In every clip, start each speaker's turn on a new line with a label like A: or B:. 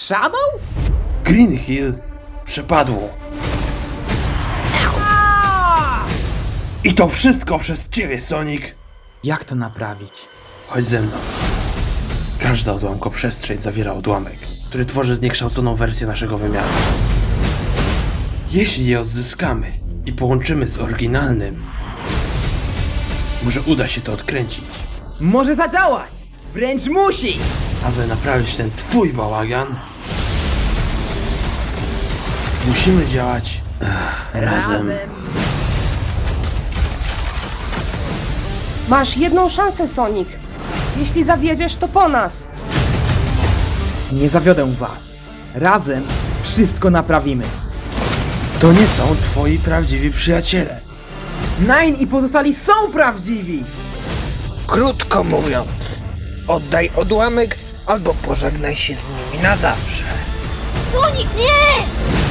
A: Shadow?
B: Green Hill przepadło. I to wszystko przez ciebie, Sonic.
A: Jak to naprawić?
B: Chodź ze mną. Każda odłamkoprzestrzeń zawiera odłamek, który tworzy zniekształconą wersję naszego wymiaru. Jeśli je odzyskamy i połączymy z oryginalnym, może uda się to odkręcić.
A: Może zadziałać! Wręcz musi!
B: Aby naprawić ten twój bałagan, musimy działać razem.
C: Masz jedną szansę, Sonic. Jeśli zawiedziesz, to po nas.
A: Nie zawiodę was. Razem wszystko naprawimy.
B: To nie są twoi prawdziwi przyjaciele.
A: Nine i pozostali są prawdziwi!
D: Krótko mówiąc, oddaj odłamek albo pożegnaj się z nimi na zawsze.
E: Sonic, nie!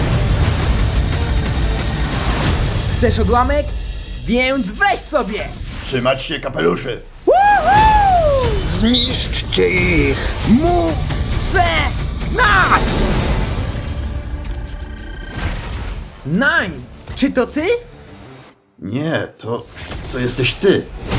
A: Chcesz odłamek? Więc weź sobie!
F: Trzymać się kapeluszy!
D: Zniszczcie ich!
A: Muszę gnać! Nine! Czy to ty?
F: Nie, to jesteś ty.